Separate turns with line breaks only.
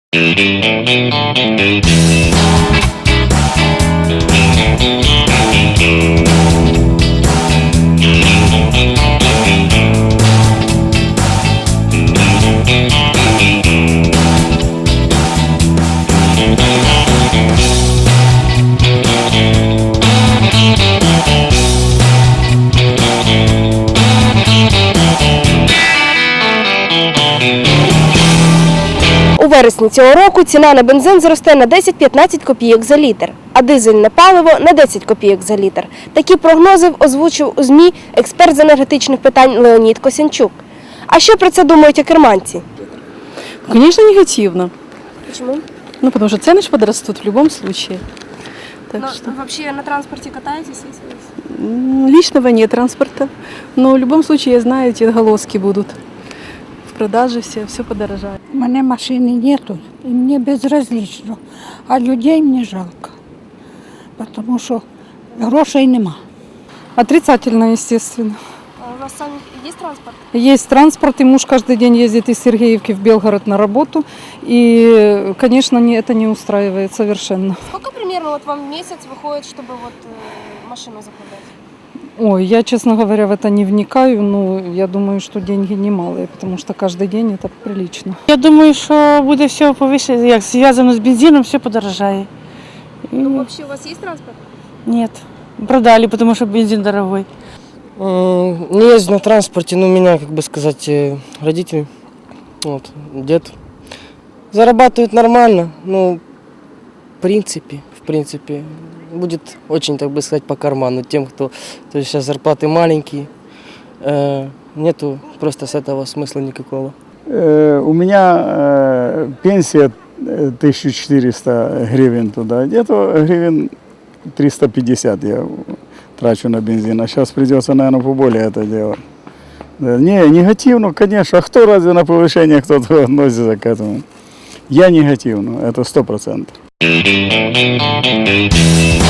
У вересні цього року ціна на бензин зросте на 10-15 копійок за літр, а дизельне паливо – на 10 копійок за літр. Такі прогнози озвучив у ЗМІ експерт з енергетичних питань Леонід Косянчук. А що про це думають окерманці?
Конечно, негативно.
Чому?
Ну, потому что цены же подрастут в любом случае. Так что
Взагалі на транспорті катаєтесь?
личного нет транспорта. Но в любом случае, я знаю, эти отголоски будут. В продаже все подорожает.
У мене машини нету, і мені безразлично, а людей мені жалко, тому що грошей нема.
Отрицательно, естественно.
У вас самі є транспорт?
Есть транспорт, и муж каждый день ездит из Сергеевки в Белгород на работу. И, конечно, это не устраивает совершенно.
Сколько примерно вам в месяц выходит, чтобы машину закладать?
Ой, я, честно говоря, в это не вникаю, но я думаю, что деньги немалые, потому что каждый день это прилично.
Я думаю, що буде все повище, як зв'язано з бензином, все подорожає.
Вообще у вас есть транспорт?
Нет, продали, потому что бензин дорогой.
Не езжу на транспорте, но у меня, как бы сказать, родители, вот, дед, зарабатывают нормально, но в принципе, будет очень, так бы сказать, по карману тем, кто, то есть сейчас зарплаты маленькие, нету просто с этого смысла никакого.
У меня пенсия 1400 гривен туда, где-то гривен 350 я трачу на бензин, а сейчас придется, наверное, поболее это делать. Не, негативно, конечно, а кто разве на повышение кто-то относится к этому? Я негативно, это 100%.